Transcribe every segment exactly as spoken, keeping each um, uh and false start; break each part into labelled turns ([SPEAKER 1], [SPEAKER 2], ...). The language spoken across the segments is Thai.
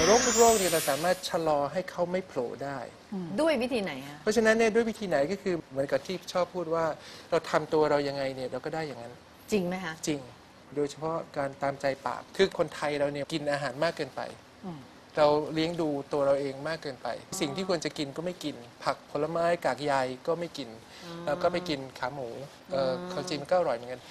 [SPEAKER 1] โรคทุกโรคเนี่ยเราสามารถชะลอให้เขาไม่โผล่ได้
[SPEAKER 2] ด้วยวิธีไหนฮะ
[SPEAKER 1] เพราะฉะนั้นเนี่ยด้วยวิธีไหนก็คือเหมือนกับที่ชอบพูดว่าเราทำตัวเรายังไงเนี่ยเราก็ได้อย่างนั้น
[SPEAKER 2] จริงไหมคะ
[SPEAKER 1] จริงโดยเฉพาะการตามใจปากคือคนไทยเราเนี่ยกินอาหารมากเกินไปเราเลี้ยงดูตัวเราเองมากเกินไปสิ่งที่ควรจะกินก็ไม่กินผักผลไม้กากใยก็ไม่กินแล้วก็ไปกินขาหมูเออความจริงมันก็อร่อยเหมือนกัน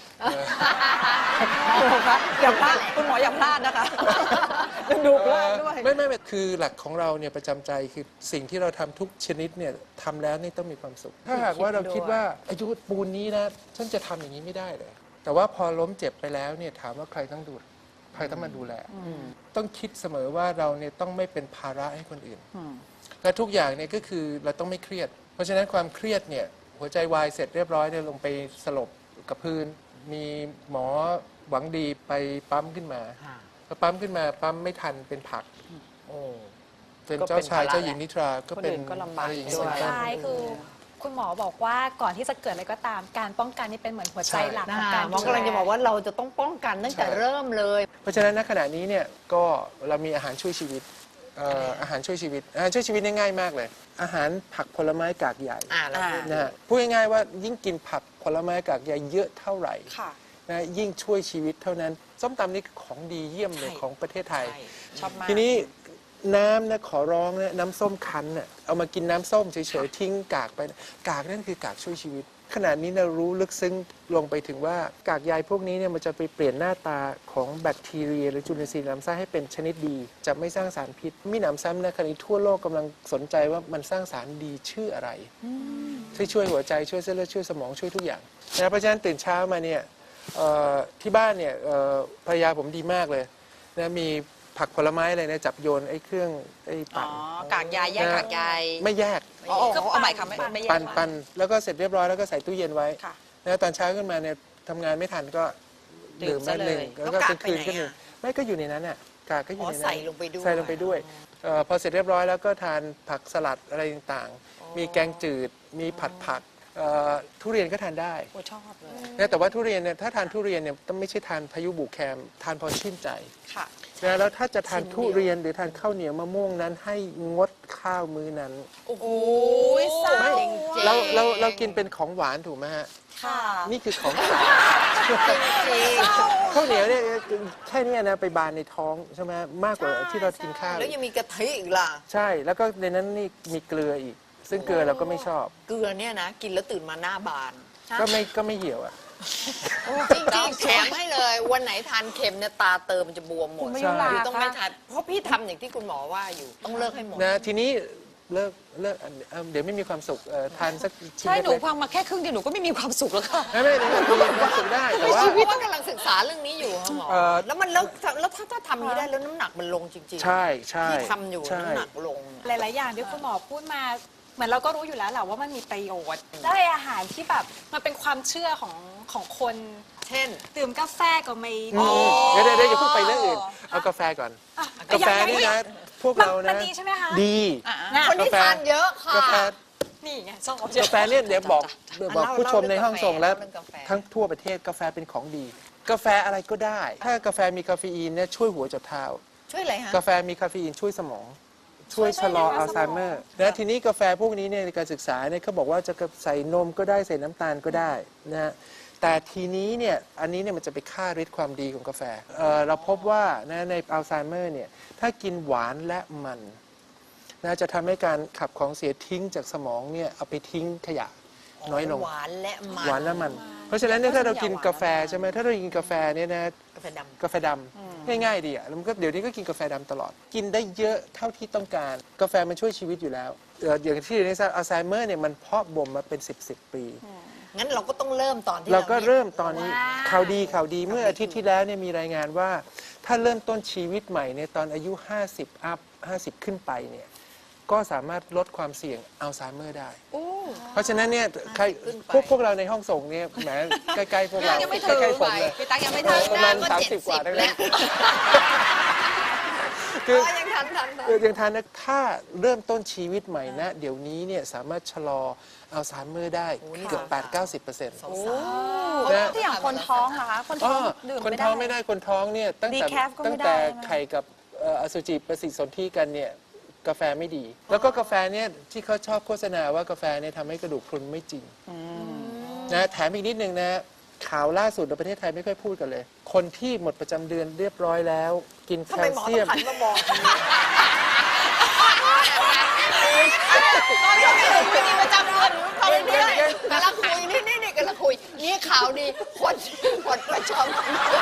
[SPEAKER 3] อย่าพลาดคุณหมออย่าพลาดนะคะดูพลาดด้วย
[SPEAKER 1] ไม่ไม่คือหลักของเราเนี่ยประจำใจคือสิ่งที่เราทำทุกชนิดเนี่ยทำแล้วนี่ต้องมีความสุขถ้าหากว่าเราคิดว่าอายุปูนนี้นะฉันจะทำอย่างนี้ไม่ได้เลยแต่ว่าพอล้มเจ็บไปแล้วเนี่ยถามว่าใครต้องดูใครต้องมาดูแลต้องคิดเสมอว่าเราเนี่ยต้องไม่เป็นภาระให้คนอื่นและทุกอย่างเนี่ยก็คือเราต้องไม่เครียดเพราะฉะนั้นความเครียดเนี่ยหัวใจวายเสร็จเรียบร้อยเนี่ยลงไปสลบกับพื้นมีหมอหวังดีไปปั๊มขึ้นมาพอปั๊มขึ้นมาปั๊มไม่ทันเป็นผักโอ้เป็นเจ้าชายเจ้าหญิงนิทราก็เป็นอะไรอย่างนี้
[SPEAKER 4] สุดท้ายคือคุณหมอบอกว่าก่อนที่จะเกิดอะไรก็ตามการป้องกันนี่เป็นเหมือนหัวใจหลักของการ
[SPEAKER 2] หมอกำลังจะบอกว่าเราจะต้องป้องกันตั้งแต่เริ่มเลย
[SPEAKER 1] เพราะฉะนั้นณขณะนี้เนี่ยก็เรามีอาหารช่วยชีวิตอาหารช่วยชีวิตอาหารช่วยชีวิตง่ายมากเลยอาหารผักผลไม้กากใยนะฮะพูดง่ายๆว่ายิ่งกินผักผลไม้กากใยเยอะเท่าไหร่นะยิ่งช่วยชีวิตเท่านั้นส้มตำนี่ของดีเยี่ยมเลยของประเทศไทยทีนี้น้ำนะขอร้องนะน้ำส้มคั้นน่ะเอามากินน้ำส้มเฉยๆทิ้งกากไปกากนั่นคือกากช่วยชีวิตขณะนี้เรารู้ลึกซึ้งลงไปถึงว่ากากใยพวกนี้เนี่ยมันจะไปเปลี่ยนหน้าตาของแบคทีเรียหรือจุลินทรีย์ในลำไส้ให้เป็นชนิดดีจะไม่สร้างสารพิษมีหนำซ้ำนะขณะนี้ทั่วโลกกำลังสนใจว่ามันสร้างสารดีชื่ออะไรที่ช่วยหัวใจช่วยเส้นเลือดช่วยสมองช่วยทุกอย่างนะเพราะฉะนั้นตื่นเช้ามาเนี่ยที่บ้านเนี่ยภรรยาผมดีมากเลยนะมีผักผลไม้อะไรนะจับโยนไอ้เครื่องไอ้ปั่น
[SPEAKER 3] กากใยแยกกากใย
[SPEAKER 1] ไม่แยก
[SPEAKER 3] อ๋อเอาใหม่ค่ะไม่แยก
[SPEAKER 1] ปั่นปั่นแล้วก็เสร็จเรียบร้อยแล้วก็ใส่ตู้เย็นไว้แล้วตอนเช้าขึ้นมาเนี่ยทำงานไม่ทันก็ดื่มแม่หนึ่งแล้วก็เป็นคืนก็หนึ่งไม่ก็อยู่ในนั้นอ่ะกากก็อยู่ในนั้น
[SPEAKER 3] ใส่ลงไปด้วย
[SPEAKER 1] ใส่ลงไปด้วยพอเสร็จเรียบร้อยแล้วก็ทานผักสลัดอะไรต่างๆมีแกงจืดมีผัดผักทุเรียนก็ทานได้
[SPEAKER 3] ชอบเลย
[SPEAKER 1] แต่ว่าทุเรียนเนี่ยถ้าทานทุเรียนเนี่ยต้องไม่ใช่ทานพายุบุกแคมทานพอชื่นใจ
[SPEAKER 3] ค่ะ
[SPEAKER 1] แล้วถ้าจะทานทุเรียนหรือทานข้าวเหนียวมะม่วงนั้นให้งดข้าวมื้อนั้น
[SPEAKER 3] โอ้โหเศร้า
[SPEAKER 1] เราเราเรากินเป็นของหวานถูกไหมฮะ
[SPEAKER 3] ค่ะ
[SPEAKER 1] นี่คือของสารข้าวเหนียวเนี่ยแค่นี้นะไปบานในท้องใช่ไหมมากกว่าที่เรากินข้าว
[SPEAKER 2] แล้วยังมีกะทิอีกล่ะ
[SPEAKER 1] ใช่แล้วก็ในนั้นนี่มีเกลืออีกซึ่งเกลือเราก็ไม่ชอบ
[SPEAKER 2] เกลือเนี่ยนะกินแล้วตื่นมาหน้าบาน
[SPEAKER 1] ก็ไม่ก็ไม่เหี่ยวอ่ะ
[SPEAKER 2] จริงๆแถมให้เลยวันไหนทานเค็มเนี่ยตาเติมมันจะบวมหมดต้องไม่ทานเพราะพี่ทำอย่างที่คุณหมอว่าอยู่ต้องเลิกให้หมด
[SPEAKER 1] นะทีนี้เลิกเลิกเดี๋ยวไม่มีความสุขทานสักชิ้น
[SPEAKER 3] ใช่หนูฟังมาแค่ครึ่งเดียวหนูก็ไม่มีความสุขแล้วค่ะ
[SPEAKER 1] ไม่ไม่ไม่มีความสุขได้แต่ว่า
[SPEAKER 2] ชีวิตกำลังศึกษาเรื่องนี้อยู่ค่ะหมอแล้วมันแล้วแล้วถ้าถ้าทำนี้ได้แล้วน้ำหนักมันลงจริงๆ
[SPEAKER 1] ใช่ใช่
[SPEAKER 2] ที่ทำอยู่น้ำหนักลง
[SPEAKER 4] หลายๆอย่างที่คุณหมอพูดมาเหมือนเราก็รู้อยู่แล้วแหละว่ามันมีประโยชน์ได้อาหารที่แบบมันเป็นความเชื่อของของคน
[SPEAKER 2] เช่น
[SPEAKER 4] ดื่มกาแฟก็ไม่
[SPEAKER 1] ดีเดี๋ยวเดี๋ยวอย่าเพิ่งไปเรื่องอื่นเอากาแฟก่อนกาแฟนี่นะพวกเรานะ
[SPEAKER 4] ดีใช่ไหมคะ
[SPEAKER 1] ดี
[SPEAKER 2] คนที่ทานเยอะค่ะ
[SPEAKER 1] กาแฟ
[SPEAKER 4] นี่ไงชอบ
[SPEAKER 1] กาแฟเนี่ยเดี๋ยวบอกบอกผู้ชมในห้องส่งแล้วทั้งทั่วประเทศกาแฟเป็นของดีกาแฟอะไรก็ได้ถ้ากาแฟมีคาเฟอีนเนี่ยช่วยหัวจดเท้า
[SPEAKER 2] ช่วยอะไรฮะ
[SPEAKER 1] กาแฟมีคาเฟอีนช่วยสมองช่วยชะลออัลไซเมอร์นะทีนี้กาแฟพวกนี้เนี่ยในการศึกษาเนี่ยเขาบอกว่าจะใส่นมก็ได้ใส่น้ำตาลก็ได้นะแต่ทีนี้เนี่ยอันนี้เนี่ยมันจะไปฆ่าฤทธิ์ความดีของกาแฟ เ, เราพบว่านะในอัลไซเมอร์เนี่ยถ้ากินหวานและมันนะจะทำให้การขับของเสียทิ้งจากสมองเนี่ยเอาไปทิ้งขยะน้อยลง
[SPEAKER 2] หวานและมัน
[SPEAKER 1] หวานและมันเพราะฉะนั้นเนี่ยถ้าเรากินกาแฟใช่ไหมถ้าเรากินกาแฟเนี่ยนะ
[SPEAKER 2] กาแฟดำ
[SPEAKER 1] กาแฟดำง่ายๆดีอ่ะแล้วมันก็เดี๋ยวนี้ก็กินกาแฟดำตลอดกินได้เยอะเท่าที่ต้องการกาแฟมันช่วยชีวิตอยู่แล้วอย่างที่ในอัลไซเมอร์เนี่ยมันเพาะบ่มมาเป็นสิบสิบปี
[SPEAKER 2] งั้นเราก็ต้องเริ่มตอนที่
[SPEAKER 1] เราก็เริ่มตอนนี้ข่าวดีข่าวดีเมื่ออาทิตย์ที่แล้วเนี่ยมีรายงานว่าถ้าเริ่มต้นชีวิตใหม่ในตอนอายุห้าสิบอัพห้าสิบขึ้นไปเนี่ยก็สามารถลดความเสี่ยงอัลไซเมอร์ได้เพราะฉะนั้นเนี่ยใครพวกพวกเราในห้องส่งเนี่ยแหมใกล้ๆพวกเราใกล้ๆผมเลย
[SPEAKER 2] พี่ตั๊กยังไม่ถึง
[SPEAKER 1] ประมาณสามสิบกว่าแล้ว
[SPEAKER 2] คือยังทันทัน
[SPEAKER 1] ยังทันนะถ้าเริ่มต้นชีวิตใหม่นะเดี๋ยวนี้เนี่ยสามารถชะลออัลไซเมอร์ได้เกือบ แปดถึงเก้าสิบเปอร์เซ็นต์
[SPEAKER 4] นะที่อย่างคนท้องเหรอคะคนท้องดื่ม
[SPEAKER 1] คนท้องไม่ได้คนท้องเนี่ยตั้งแต่ตั้งแต่ไข่กับเอ่ออสุจิปฏิสนธิกันเนี่ยกาแฟไม่ดี แล้วก็กาแฟเนี่ยที่เขาชอบโฆษณาว่ากาแฟเนี่ยทำให้กระดูกพรุนไม่จริงนะแถมอีกนิดนึงนะข่าวล่าสุดในประเทศไทยไม่ค่อยพูดกันเลย คนที่หมดประจำเดือนเรียบร้อยแล้ว กินแค
[SPEAKER 2] ทำไม
[SPEAKER 1] ล
[SPEAKER 2] หมอ
[SPEAKER 1] เซี
[SPEAKER 2] ต้
[SPEAKER 1] ย
[SPEAKER 2] อง
[SPEAKER 1] ม
[SPEAKER 2] หันมามองตรงนี้ตอนนี้ไม่มีประจำเดือนเขาเรื่อยๆกำลังคุยนี่นี่นี่กำลังคุยนี่ข่าวดีคนคนประชม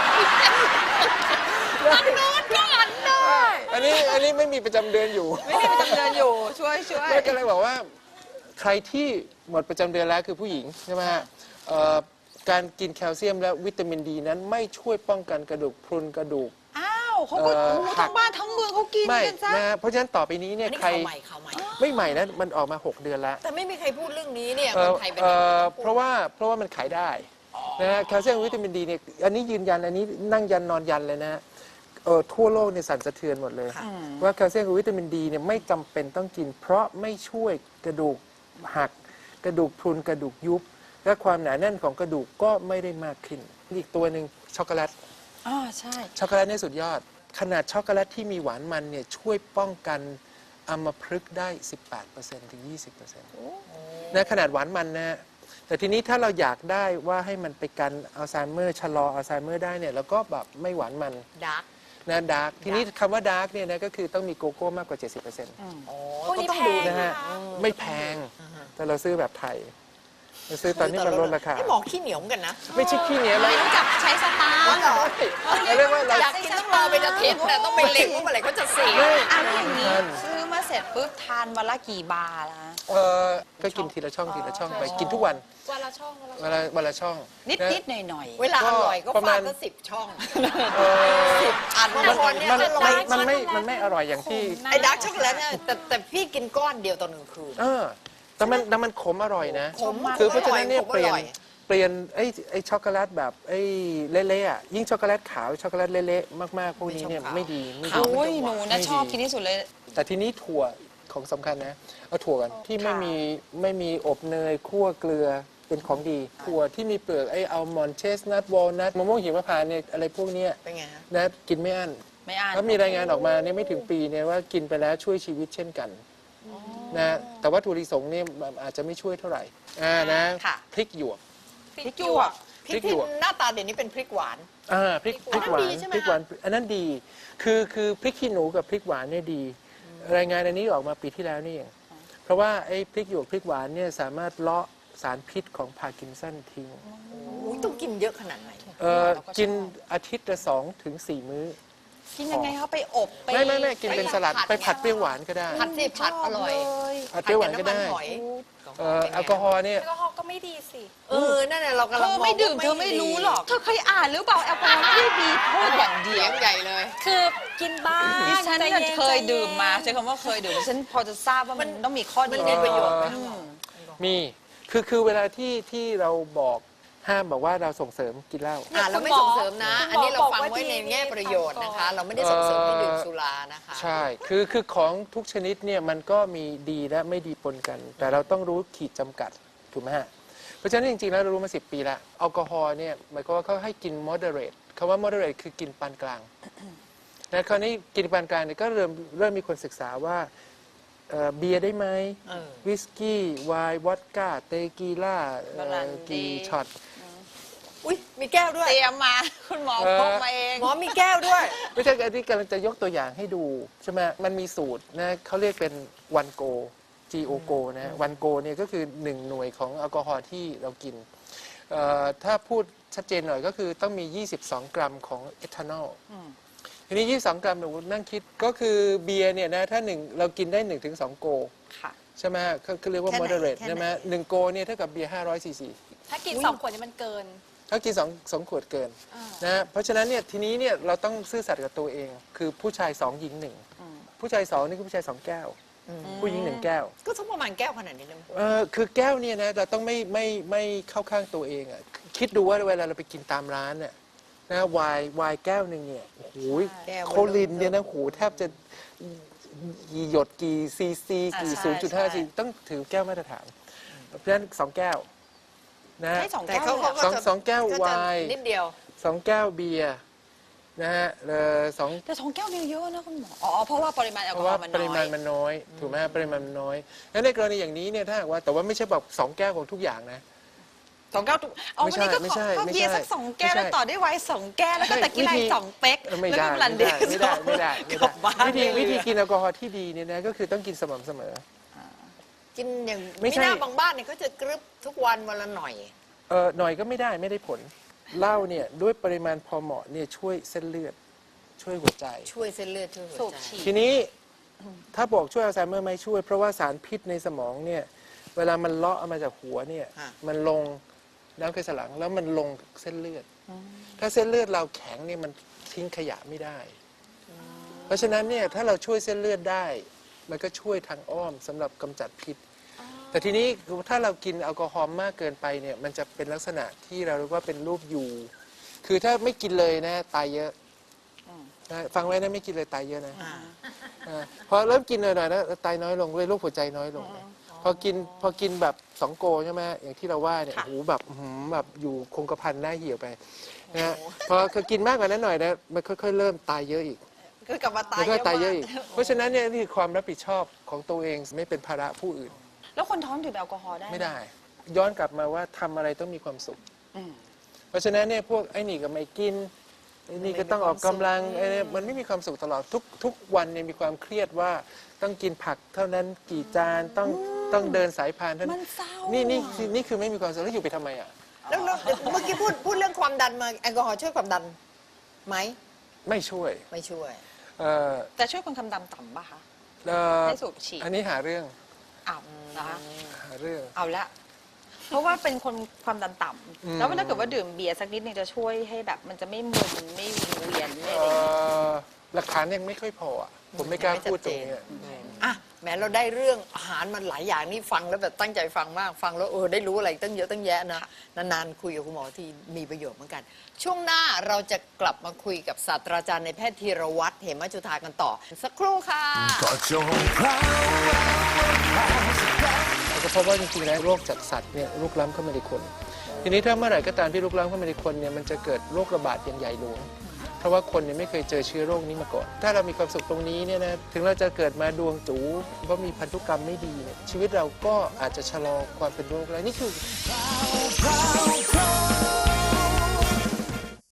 [SPEAKER 2] มันโน้ตก็หันได้
[SPEAKER 1] อันนี้อันนี้ไม่มีประจำเดือนอยู่
[SPEAKER 3] ไม่มีประจำเดือนอยู่ช่วยช่วย
[SPEAKER 1] แม่ก็เลยบอกว่าใครที่หมดประจำเดือนแล้วคือผู้หญิงใช่ไหมฮะเอ่อการกินแคลเซียมและวิตามินดีนั้นไม่ช่วยป้องกันกระดูกพรุนกระดูก
[SPEAKER 3] อ้าวเขาก็
[SPEAKER 1] เอ่อ
[SPEAKER 3] โอ้โห
[SPEAKER 1] หั
[SPEAKER 3] ทั้
[SPEAKER 1] ก
[SPEAKER 3] งบ้านทั้งเมืองเขากิน
[SPEAKER 1] ไม่
[SPEAKER 3] กันซะ
[SPEAKER 1] นะฮะเพราะฉะนั้นต่อไปนี้เนี่ย
[SPEAKER 2] อันนี้
[SPEAKER 1] ใคร
[SPEAKER 2] ข่าวใหม่ข่าวใหม่
[SPEAKER 1] ไม่ใหม่นะมันออกมา หก เดือนแล้ว
[SPEAKER 2] แต่ไม่มีใครพูดเรื่องนี้เนี่ย
[SPEAKER 1] เอ่
[SPEAKER 2] ค
[SPEAKER 1] อน
[SPEAKER 2] ไทยเป็น
[SPEAKER 1] เอ่อ
[SPEAKER 2] พูด
[SPEAKER 1] เพราะว่าเพราะว่ามันขายได้นะฮะแคลเซียมวิตามินดีเนี่ยอันนี้ยืนยันอันนี้นั่งยันนอนยันเลยนะฮะเออทั่วโลกเนี่ยสั่นสะเทือนหมดเลย ว่าแคลเซียมกับวิตามินดีเนี่ยไม่จำเป็นต้องกิน เพราะไม่ช่วยกระดูกหัก กระดูกพรุนกระดูกยุบ และความหนาแน่นของกระดูกก็ไม่ได้มากขึ้นอีกตัวหนึ่งช็อกโกแลต
[SPEAKER 3] อ่าใช่
[SPEAKER 1] ช็อกโกแลตนี่สุดยอด ขนาดช็อกโกแลตที่มีหวานมันเนี่ยช่วยป้องกันอัมพฤกษ์ได้ สิบแปดเปอร์เซ็นต์ ถึง ยี่สิบเปอร์เซ็นต์ นะขนาดหวานมันนะ แต่ทีนี้ถ้าเราอยากได้ว่าให้มันไปกันอัลไซเมอร์ชะลออัลไซเมอร์ได้เนี่ยเราก็แบบไม่หวานมัน
[SPEAKER 2] ดาร์ก
[SPEAKER 1] นะดาร์กทีนี้คำว่าดาร์กเนี่ยนะก็คือต้องมีโกโก้มากกว่า เจ็ดสิบเปอร์เซ็นต์
[SPEAKER 2] อ๋อ
[SPEAKER 4] พวก
[SPEAKER 2] ก็
[SPEAKER 4] นี้
[SPEAKER 2] ต้อง
[SPEAKER 4] แพ
[SPEAKER 2] ดู
[SPEAKER 4] ง
[SPEAKER 1] นะฮะ
[SPEAKER 4] นะคะ
[SPEAKER 1] ไม่แพง แต่เราซื้อแบบไทยเราซื้อตอนนี้มันลดราคา
[SPEAKER 2] ให้หมอขี้เหนียวเหมือนกันนะ
[SPEAKER 1] ไม่ใช่ขี้เหนียวแล้ว
[SPEAKER 3] ไม่รู้จักใช้สตาร์
[SPEAKER 2] อ๋อ
[SPEAKER 3] ท
[SPEAKER 2] เหรอ
[SPEAKER 1] เราเรียกว่าเรา
[SPEAKER 2] อยากกินต้องรอเป็นอาทิตย์แต่ต้องไปเล็งว่าเมื่อไหร่เขาจะเสีย
[SPEAKER 1] ไม่
[SPEAKER 3] อันอย่างนี้
[SPEAKER 1] ทัน
[SPEAKER 3] ซื้อมาเสร็จปุ๊บทานวันละกี่บาร์ละ
[SPEAKER 1] เออก็กินทีละช่องทีละช่องไปกินทุกวัน
[SPEAKER 4] วันละช่องวันละช่
[SPEAKER 1] วั
[SPEAKER 4] อน ง
[SPEAKER 1] ละวันละช่อง
[SPEAKER 3] นิด
[SPEAKER 1] ะ
[SPEAKER 3] นิดหน่อยหน่อย
[SPEAKER 2] เวลาอร่อยก็
[SPEAKER 1] ประ
[SPEAKER 2] ฟา
[SPEAKER 1] มา
[SPEAKER 2] ด
[SPEAKER 1] ณ
[SPEAKER 2] ก็สิบช่อง
[SPEAKER 1] เออ
[SPEAKER 2] อัน
[SPEAKER 1] มัน
[SPEAKER 2] บางคนเนี่ย
[SPEAKER 1] มัน
[SPEAKER 2] จะล
[SPEAKER 1] มัน
[SPEAKER 2] อย
[SPEAKER 1] มันไม่มันไม่อร่อยอย่างที่
[SPEAKER 2] ไอ้ดาร์กช็อกโกแลตเนี่ยแต่แต่พี่กินก้อนเดียวต่อหนึ่งคืน
[SPEAKER 1] เออแต่มันแต่มันขมอร่อยนะ
[SPEAKER 2] ขมมาก
[SPEAKER 1] คือเพราะฉะนั้นเนี่ย
[SPEAKER 2] ขม
[SPEAKER 1] เป
[SPEAKER 2] อ
[SPEAKER 1] ลี่ยน
[SPEAKER 2] ร่อย
[SPEAKER 1] เปลี่ยนไอ้ไอ้ช็อกโกแลตแบบไอ้เละๆอ่ะยิ่งช็อกโกแลตขาวช็อกโกแลตเละๆมากๆพวกนี้เนี่ยไม่ดีไม่
[SPEAKER 3] ๆ
[SPEAKER 1] ดี
[SPEAKER 3] โอ้ยหนูนะชอบกินที่สุดเลย
[SPEAKER 1] แต่ทีนี้ถั่วของสำคัญนะเอาถั่วกันที่ไม่มีไม่มีอบเนยคั่วเกลือเป็นของดี ถั่วที่มีเปลือกไอ้อัลมอนด์เชสนัทวอลนัทมะม่วงหิมพานต์เนี่ยอะไรพวกเนี้ย
[SPEAKER 2] เป็นไงฮะ
[SPEAKER 1] นะกินไม่อั้น
[SPEAKER 3] ไม่อ่าน
[SPEAKER 1] แล้วมีรายงานออกมาเนี่ยไม่ถึงปีเนี่ยว่ากินไปแล้วช่วยชีวิตเช่นกันนะแต่ว่าถั่วลิสงเนี่ยอาจจะไม่ช่วยเท่าไหร่อ่านะ
[SPEAKER 3] ค่ะ
[SPEAKER 1] พริกหยวก
[SPEAKER 3] พริกหยวก
[SPEAKER 2] พริกที่หน้าตาเด่นนี้เป็นพริกหวาน
[SPEAKER 1] อ่าพริกพริกหวาน
[SPEAKER 2] อันนั้นดีใช่ไหม
[SPEAKER 1] พริกหวานอันนั้นดี คือคือพริกขี้หนูกับพริกหวานเนี่ยดี รายงานอันนี้ออกมาปีที่แล้วนี่เองเพราะว่าไอ้พริกหยวกพริกหวานเนี่ยสามารถเลาะสารพิษของพาร์กินสันทิ้ง
[SPEAKER 2] อุ๊ยต้องกินเยอะขนาดไหน
[SPEAKER 1] เอ่อกินอาทิตย์ละสองถึงสี่มื้อ
[SPEAKER 3] กินยังไงเขาไปอบไป
[SPEAKER 1] ไม่ไม่ไม่กินเป็นสลัด
[SPEAKER 2] ผัด
[SPEAKER 1] ไปผัดเปรี้ยวหวานก็ได้
[SPEAKER 2] ผัดสิผัดอร่อย
[SPEAKER 1] ผัดเปรี้ยวหวานก็ได้
[SPEAKER 2] ผับำมัหอย
[SPEAKER 1] เอ่อแอลกอฮอล์เนี่ย
[SPEAKER 4] แอลกอฮอล์ก็ไม่ดีสิ
[SPEAKER 2] เออนั่นแหละเรากำ
[SPEAKER 3] เธ
[SPEAKER 2] ลัง
[SPEAKER 3] อ
[SPEAKER 2] มอง
[SPEAKER 3] ไม่ดื่ม
[SPEAKER 2] ว่า
[SPEAKER 3] เธอไม่รู้หรอก เธอเคยอ่านหรือเปล่าแอลกอฮอล์ไม่ได้มีโทษอย่างเดี
[SPEAKER 2] เสี
[SPEAKER 3] ย
[SPEAKER 2] ยว งใหญ่เลย
[SPEAKER 4] คือกินบ้าง
[SPEAKER 3] ดิฉัน
[SPEAKER 4] ใจ
[SPEAKER 3] น่ะ
[SPEAKER 4] ย็
[SPEAKER 3] เคย
[SPEAKER 4] ใจน
[SPEAKER 3] ดื่มมาใช้คำว่าเคยดื่มดิฉันพอจะทราบว่ามันต้องมีข้อดี
[SPEAKER 2] มันมีประโยชน์ไหม
[SPEAKER 3] อืม
[SPEAKER 1] มีคือคือเวลาที่ที่เราบอกห้ามบอกว่าเราส่งเสริมกินเหล้า
[SPEAKER 2] อ่าเราไม่ส่งเสริมนะ
[SPEAKER 4] คุณหมอ
[SPEAKER 2] อันนี้เราฟัง
[SPEAKER 4] บอกว่า
[SPEAKER 2] ไว้ใน
[SPEAKER 4] ดี
[SPEAKER 2] แง่ประโยชน์นะคะ
[SPEAKER 4] ฟังก่อน
[SPEAKER 2] เราไม่ได้ส่งเสริมให้ดื่มสุรานะคะ
[SPEAKER 1] ใช่ คือ คือของทุกชนิดเนี่ยมันก็มีดีและไม่ดีปนกัน แต่เราต้องรู้ขีดจำกัด ถูกไหมฮะ เพราะฉะนั้นจริงๆแล้วเรารู้มาสิบปีละแอลกอฮอล์เนี่ยหมายความว่าเขาให้กิน moderate คำว่า moderate คือกินปานกลาง นะคราวนี้กินปานกลางเนี่ยก็เริ่มเริ่มมีคนศึกษาว่าเอ่อเบียร์ได้ไหม
[SPEAKER 2] เออ
[SPEAKER 1] วิสกี้ไวน์วอดก้าเตกีล่าเอ่
[SPEAKER 3] บรั
[SPEAKER 1] อน
[SPEAKER 3] ดี
[SPEAKER 1] กี่ช็อต
[SPEAKER 2] อุ้ยมีแก้วด้วย
[SPEAKER 3] เตรียมมาคุณหมอ
[SPEAKER 1] เออ
[SPEAKER 3] พกมาเอง
[SPEAKER 2] หมอมีแก้วด้วย
[SPEAKER 1] ไม่ใช่อันนี้กำลังจะยกตัวอย่างให้ดูใช่ไหมมันมีสูตรนะเขาเรียกเป็นวันโก จี โอ โก นะฮะวันโกเนี่ยก็คือหนึ่งหน่วยของแอลกอฮอล์ที่เรากินเอ่อถ้าพูดชัดเจนหน่อยก็คือต้องมี ยี่สิบสอง กรัมของเอทานอลทีนี้ ยี่สิบสอง กรัมหนูนั่งคิดก็คือเบียร์เนี่ยนะถ้าหนึ่งเรากินได้ หนึ่งถึงสอง โก
[SPEAKER 3] ค่ะ
[SPEAKER 1] ใช่ไหมก็คือเรียกว่า
[SPEAKER 3] แค่ไหน
[SPEAKER 1] moderate
[SPEAKER 3] แค่ไหน
[SPEAKER 1] ใช่ไหมหนึ่งโกเนี่ยเท่ากับเบียร์ห้าร้อยซีซี
[SPEAKER 4] ถ้ากินสองขวดนี่มันเกิน
[SPEAKER 1] ถ้ากินสองสองขวดเกินนะฮะเพราะฉะนั้นเนี่ยทีนี้เนี่ยเราต้องซื่อสัตย์กับตัวเอง คือผู้ชายสองหญิงหนึ่งผู้ชายสองนี่คือผู้ชายสองแก้ว ผู้หญิงหนึ่งแก้ว
[SPEAKER 2] ก็สักประมาณแก้วขนาดนี้เลย
[SPEAKER 1] เออคือแก้วเนี่ยนะเราต้องไม่ไม่ไม่เข้าข้างตัวเองอ่ะคิดดูว่าเวลาเราไปกินตามร้านเนี่ยนะไวน์ไวน์แก้วหนึ่งเนี่ยโอ้โห
[SPEAKER 2] แก้ว
[SPEAKER 1] โคลินเนี่ยนะโหแทบจะกี่หยดกี่ซีซีกี่
[SPEAKER 3] อ่าใช่
[SPEAKER 1] ศูนย์จุดห้า
[SPEAKER 3] ใช่
[SPEAKER 1] ซีต้องถือแก้วมาตรฐานเพราะฉะนั้นสองแก้วนะ
[SPEAKER 3] ให้สอง
[SPEAKER 2] แต่
[SPEAKER 3] แก้ว
[SPEAKER 2] เขา
[SPEAKER 3] เลยเหรอ
[SPEAKER 2] เขาก็
[SPEAKER 1] สอง
[SPEAKER 2] จะ
[SPEAKER 1] สองแก้ว
[SPEAKER 2] ก็จะ
[SPEAKER 1] ไวน์
[SPEAKER 2] นิดเดียว
[SPEAKER 1] สองแก้วเบียร์นะฮะเอ่อสอง
[SPEAKER 3] แต่สองแก้วเนี่ยเยอะนะคุณหมออ๋อเพราะว่าปริมาณแอล
[SPEAKER 1] เพ
[SPEAKER 3] กอ
[SPEAKER 1] ราะ
[SPEAKER 3] ฮอ
[SPEAKER 1] ว่า
[SPEAKER 3] ล์มัน
[SPEAKER 1] ปริ
[SPEAKER 3] น้
[SPEAKER 1] มา
[SPEAKER 3] อ
[SPEAKER 1] ณ
[SPEAKER 3] ย
[SPEAKER 1] มันน้อยถูกไหมฮะปริมาณมันน้อยงั้นในกรณีอย่างนี้เนี่ยถ้าหากว่าแต่ว่าไม่ใช่แบบสองแก้วของทุกอย่างนะ
[SPEAKER 3] สองแก้วทุกเอา
[SPEAKER 1] ไม่
[SPEAKER 3] วัน
[SPEAKER 1] ใช่
[SPEAKER 3] นี้ก็
[SPEAKER 1] ไม่
[SPEAKER 3] ขอ
[SPEAKER 1] ใช่
[SPEAKER 3] ก็
[SPEAKER 1] ไม่
[SPEAKER 3] เบียร์
[SPEAKER 1] ใช่
[SPEAKER 3] สักสองแก้ว
[SPEAKER 1] ไม่ใช่
[SPEAKER 3] แล้วต่อด้วยไวน์สองแก้วแล้วก็
[SPEAKER 1] ไม่
[SPEAKER 3] ตะกี้ไล
[SPEAKER 1] วิธี
[SPEAKER 3] น์สองเป๊ก
[SPEAKER 1] ไม่
[SPEAKER 3] แล้ว
[SPEAKER 1] ได้
[SPEAKER 3] ก็บลัน
[SPEAKER 1] ไม่
[SPEAKER 3] เด
[SPEAKER 1] ได้
[SPEAKER 3] ย์
[SPEAKER 1] ไม่ได้ไม่ได้ไม่
[SPEAKER 3] กลั
[SPEAKER 1] ได้
[SPEAKER 3] บบ้าน
[SPEAKER 1] วิธี
[SPEAKER 3] เลย
[SPEAKER 1] วิธีกินแอลกอฮอล์ที่ดีเนี่ยนะก็คือต้องกินสม่ำเสมอ
[SPEAKER 2] กินอย่าง
[SPEAKER 1] ไม่ใช่
[SPEAKER 2] หน้าบางบ้านเนี่ยเขาจะกรึบทุกวันวันละหน่อย
[SPEAKER 1] เออหน่อยก็ไม่ได้ไม่ได้ผลเหล้าเนี่ยด้วยปริมาณพอเหมาะเนี่ยช่วยเส้นเลือดช่วยหัวใจ
[SPEAKER 2] ช่วยเส้นเลือดช่วยหั
[SPEAKER 3] สู
[SPEAKER 2] ว
[SPEAKER 3] บ
[SPEAKER 2] ใจ
[SPEAKER 3] ฉีด
[SPEAKER 1] ทีนี้ถ้าบอกช่วยอัลไซเมอร์ไม่ช่วย เพราะว่าสารพิษในสมองเนี่ยเวลามันเลาะออกมาจากหัวเนี่ย
[SPEAKER 2] ค่ะ
[SPEAKER 1] มันลงน้ำไขสันหลังแล้วมันลงเส้นเลือด ถ้าเส้นเลือดเราแข็งเนี่ยมันทิ้งขยะไม่ได้ เพราะฉะนั้นเนี่ยถ้าเราช่วยเส้นเลือดได้ มันก็ช่วยทางอ้อมสำหรับกำจัดพิษ แต่ทีนี้ถ้าเรากินแอลกอฮอล์มากเกินไปเนี่ยมันจะเป็นลักษณะที่เราเรียกว่าเป็นรูปยูคือถ้าไม่กินเลยนะตายเยอะนะฟังไว้นะไม่กินเลยตายเยอะนะ
[SPEAKER 2] อ่า
[SPEAKER 1] อ่าพอเริ่มกินหน่อยๆแล้วตายน้อยลงเลยโรคหัวใจน้อยลงนะพอกินพอกินแบบสองโกใช่ไหมอย่างที่เราว่าเนี่ย
[SPEAKER 3] ค่ะ
[SPEAKER 1] โอ้โหแบบอื้อหือแบบอยู่คงกระพันหน้าเหี่ยวไปนะฮะพอคือกินมากกว่านั้นหน่อยนะมันค่อยๆเริ่มตายเยอะอีก
[SPEAKER 3] คือกลับมาตาย
[SPEAKER 1] มัน
[SPEAKER 3] เย
[SPEAKER 1] ก็
[SPEAKER 3] อะ
[SPEAKER 1] ตายเยอะ
[SPEAKER 3] มาก
[SPEAKER 1] อีกเพราะฉะนั้นเนี่ยนี่คือความรับผิดชอบของตัวเองไม่เป็นภาระผู้อื่น
[SPEAKER 3] แล้วคนท้องดื่มแอลกอฮอล์ได้ห
[SPEAKER 1] ไม่ได้ ย้อนกลับมาว่าทำอะไรต้องมีความสุข
[SPEAKER 3] อืม
[SPEAKER 1] เพราะฉะนั้นเนี่ยพวกไอ้นี่ก็ไม่กินไอ้นี่ก็ต้องออกกำลังไอ้นี่มันไม่มีความสุขตลอดทุกทุกวันเนี่ยมีความเครียดว่าต้องกินผักเท่านั้นกี่จานต้องต้องเดินสายพานเท่า
[SPEAKER 3] มั
[SPEAKER 1] นั้น
[SPEAKER 3] นเศร้า
[SPEAKER 1] นี่นี่
[SPEAKER 3] อะ
[SPEAKER 1] คือนี่คือไม่มีความสุขแล้วอยู่ไปทำไมอ่ะ
[SPEAKER 2] แล้วแล้วเมื่อกี้พูดพูดเรื่องความดันมาแอลกอฮอล์ช่วยความดันไหม
[SPEAKER 1] ไม่ช่วย
[SPEAKER 2] ไม่ช่วย
[SPEAKER 1] เอ่อ
[SPEAKER 3] แต่ช่วยคนความดันต่ำป่ะคะ
[SPEAKER 1] เอ่อ
[SPEAKER 3] ให้สูบฉีด
[SPEAKER 1] อันนี้หาเรื่อง
[SPEAKER 3] อ้าวนะคะ
[SPEAKER 1] หาเรื่อง
[SPEAKER 3] เอาละ เพราะว่าเป็นคนความดันต่
[SPEAKER 1] อืม
[SPEAKER 3] ำแล้วถ้าเกิดว่าดื่มเบียร์สักนิดนึงจะช่วยให้แบบ มันจะไม่มึนไม่วิงเวียนไม่อะไร
[SPEAKER 1] เอ่
[SPEAKER 3] อย่างเงี้ย
[SPEAKER 1] อหลักฐานยังไม่ค่อยพออ่ะผมไม่กล้าพูดตรงนี้อะ
[SPEAKER 2] อ่ะแหมเราได้เรื่องอาหารมันหลายอย่างนี่ฟังแล้วแบบตั้งใจฟังมากฟังแล้วเออได้รู้อะไรตั้งเยอะตั้งแยะนะนานๆคุยกับคุณหมอที่มีประโยชน์เหมือนกัน ช่วงหน้าเราจะกลับมาคุยกับศาสตราจารย์ในแพทย์ธีรวัตรเหมจุฑากันต่อ สักครู่ค่ะ
[SPEAKER 5] ก็จงพราว
[SPEAKER 1] เราก็พบว่าจริงๆแล้วโรคจากสัตว์เนี่ยลุกล้ำเข้ามาในคน ทีนี้ถ้าเมื่อไหร่ก็ตามที่ลุกล้ำเข้ามาในคนเนี่ยมันจะเกิดโรคระบาดอย่างใหญ่หลวง เพราะว่าคนเนี่ยไม่เคยเจอเชื้อโรคนี้มาก่อน ถ้าเรามีความสุขตรงนี้เนี่ยนะถึงเราจะเกิดมาดวงจู๋ก็มีพันธุกรรมไม่ดีเนี่ยชีวิตเราก็อาจจะชะลอความเป็นโรคได้นี่คือ
[SPEAKER 5] พราว